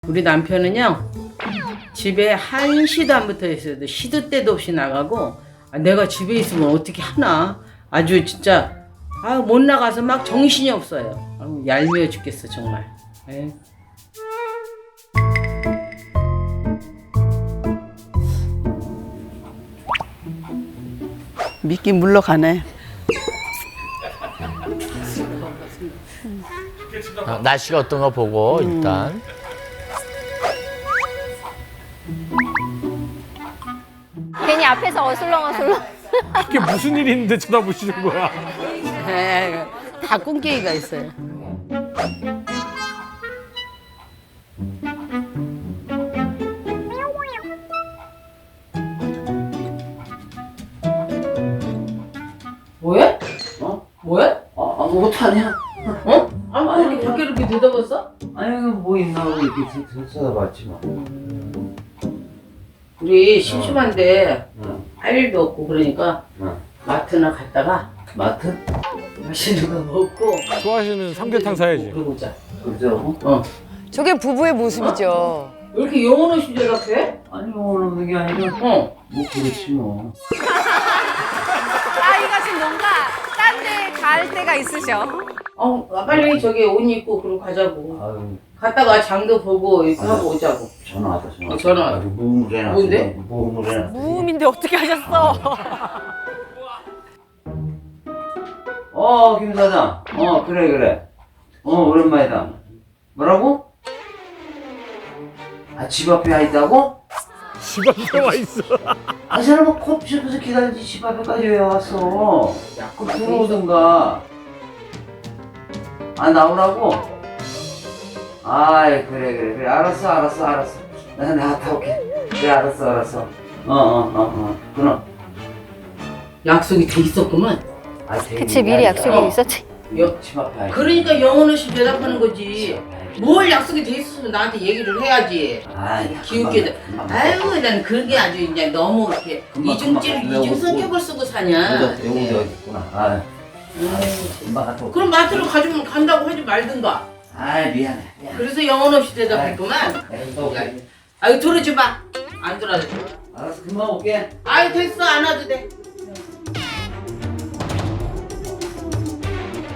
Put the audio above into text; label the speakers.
Speaker 1: 우리 남편은요 집에 한시도 안 붙어 있어도 시도 때도 없이 나가고 내가 집에 있으면 어떻게 하나 아주 진짜 못 나가서 막 정신이 없어요. 얄미워 죽겠어 정말. 에이.
Speaker 2: 미끼 물러가네.
Speaker 3: 날씨가 어떤가 보고 일단
Speaker 4: 괜히 앞에서 어슬렁어슬렁.
Speaker 5: 이게 무슨 일이 있는데 쳐다보시는 거야?
Speaker 2: 에이, 다 꿍깨기가 있어요.
Speaker 1: 뭐해? 뭐해?
Speaker 6: 아무것도 아니야.
Speaker 1: 어? 아니 이렇게 밖에 이렇게 내다봤어?
Speaker 6: 아니, 뭐 있나 하고 이렇게 쳐다봤지 뭐.
Speaker 1: 우리 심심한데
Speaker 6: 응.
Speaker 1: 할 일도 없고 그러니까
Speaker 6: 응.
Speaker 1: 마트나 갔다가
Speaker 6: 마트?
Speaker 1: 맛있는 거 먹고
Speaker 5: 좋아하시는 삼계탕 사야지.
Speaker 1: 그러고 자.
Speaker 6: 그죠?
Speaker 7: 저게 부부의 모습이죠.
Speaker 1: 왜 이렇게 영혼 없이 대답해?
Speaker 6: 아니, 오늘 오는 게 아니라,
Speaker 1: 어.
Speaker 6: 뭐, 그렇지 뭐.
Speaker 7: 아이가 지금 뭔가 딴 데 갈 때가 있으셔.
Speaker 1: 빨리 저기 옷 입고 그러고 가자고.
Speaker 6: 아유,
Speaker 1: 갔다가 장도 보고 이렇게 하고 오자고.
Speaker 6: 전화 왔다, 전화.
Speaker 1: 전화 왔다.
Speaker 6: 아주 무음물해놨어.
Speaker 1: 뭔데?
Speaker 6: 무음물해놨어.
Speaker 7: 무음인데 어떻게 하셨어?
Speaker 6: 김 사장. 그래. 오랜만이다. 뭐라고? 집 앞에 와 있다고?
Speaker 5: 집 앞에 와 있어.
Speaker 6: 사람은 커피숍에서 기다리지 집 앞에까지 왜 왔어?
Speaker 1: 약국
Speaker 6: 들어오든가. 나오라고? 아이, 그래. 알았어. 내가 갔다 올게. 그래, 알았어. 그럼.
Speaker 1: 약속이 돼 있었구만.
Speaker 4: 그치, 미리 약속이 있었지.
Speaker 6: 집 앞에 와 있어.
Speaker 1: 그러니까 영혼 없이 대답하는 거지. 뭘 약속이 돼 있었으면 나한테 얘기를 해야지. 기웃기도. 아유, 난 그게 아주 이제 너무 이렇게 이중 성격을 쓰고 사냐.
Speaker 6: 여기 어디 있구나. 금방 갔다 올게.
Speaker 1: 그럼 마트로 가주면 간다고 하지 말든가.
Speaker 6: 미안해.
Speaker 1: 그래서 영혼 없이 대답했구만. 아유, 들어지 마. 안 들어도 돼.
Speaker 6: 알았어, 금방 올게.
Speaker 1: 아유, 됐어. 안 와도 돼.